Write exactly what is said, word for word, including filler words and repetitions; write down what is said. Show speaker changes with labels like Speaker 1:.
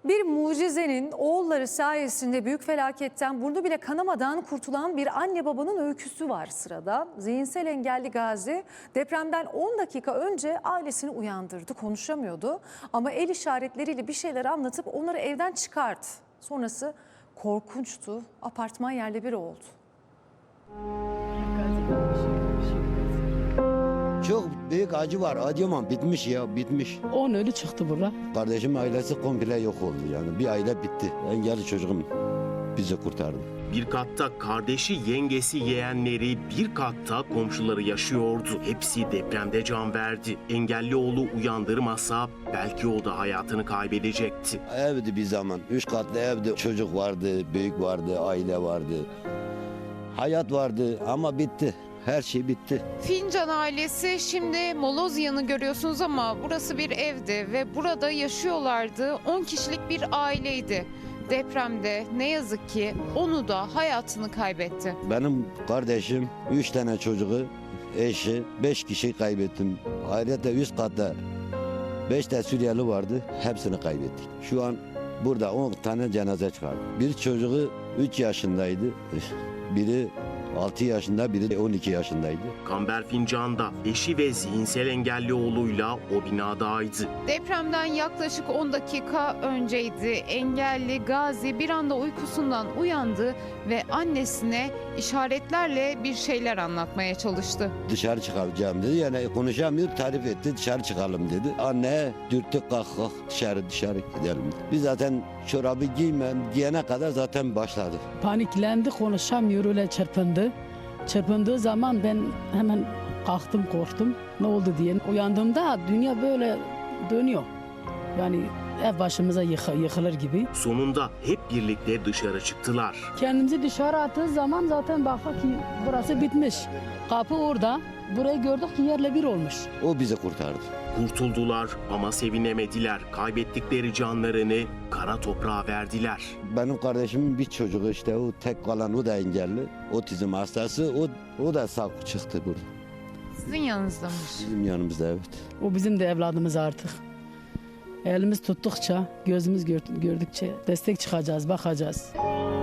Speaker 1: Bir mucizenin oğulları sayesinde büyük felaketten burnu bile kanamadan kurtulan bir anne babanın öyküsü var sırada. Zihinsel engelli Gazi depremden on dakika önce ailesini uyandırdı, konuşamıyordu. Ama el işaretleriyle bir şeyler anlatıp onları evden çıkardı. Sonrası korkunçtu, apartman yerle bir oldu.
Speaker 2: Çok büyük acı var. Acımam bitmiş ya bitmiş.
Speaker 3: On ölü çıktı burada.
Speaker 2: Kardeşim ailesi komple yok oldu yani. Bir aile bitti. Engelli çocuğum bizi kurtardı.
Speaker 4: Bir katta kardeşi, yengesi, yeğenleri, bir katta komşuları yaşıyordu. Hepsi depremde can verdi. Engelli oğlu uyandırmasa belki o da hayatını kaybedecekti.
Speaker 2: Evdi bir zaman. Üç katlı evdi. Çocuk vardı, büyük vardı, aile vardı. Hayat vardı ama bitti. Her şey bitti.
Speaker 5: Fincan ailesi şimdi Molozyan'ı görüyorsunuz ama burası bir evdi ve burada yaşıyorlardı. on kişilik bir aileydi. Depremde ne yazık ki onu da hayatını kaybetti.
Speaker 2: Benim kardeşim, üç tane çocuğu, eşi, beş kişi kaybettim. Ayrıca üst katta beş de Suriyeli vardı. Hepsini kaybettik. Şu an burada on tane cenaze çıkardı. Bir çocuğu üç yaşındaydı. Biri altı yaşında, biri on iki yaşındaydı.
Speaker 4: Kamber Fincan'da eşi ve zihinsel engelli oğluyla o binadaydı.
Speaker 5: Depremden yaklaşık on dakika önceydi. Engelli Gazi bir anda uykusundan uyandı ve annesine işaretlerle bir şeyler anlatmaya çalıştı.
Speaker 2: Dışarı çıkacağım dedi. Yani konuşamıyor, tarif etti. Dışarı çıkalım dedi. Anne dürttük kalk kalk dışarı dışarı gidelim. Biz zaten çorabı giymem giyene kadar zaten başladı.
Speaker 3: Paniklendi, konuşamıyor, öyle çırpındı. Çırpındığı zaman ben hemen kalktım, korktum. Ne oldu diye. Uyandığımda dünya böyle dönüyor. Yani ev başımıza yıkı, yıkılır gibi.
Speaker 4: Sonunda hep birlikte dışarı çıktılar.
Speaker 3: Kendimizi dışarı attığı zaman zaten baktık ki burası bitmiş. Kapı orada. Burayı gördük ki yerle bir olmuş.
Speaker 2: O bizi kurtardı.
Speaker 4: Kurtuldular ama sevinemediler. Kaybettikleri canlarını kara toprağa verdiler.
Speaker 2: Benim kardeşimin bir çocuğu işte o tek kalan o da engelli. Otizm hastası o, o da sağ çıktı burada.
Speaker 5: Sizin yanınızdamış.
Speaker 2: Bizim yanımızda evet.
Speaker 3: O bizim de evladımız artık. Elimiz tuttukça, gözümüz gördükçe destek çıkacağız, bakacağız.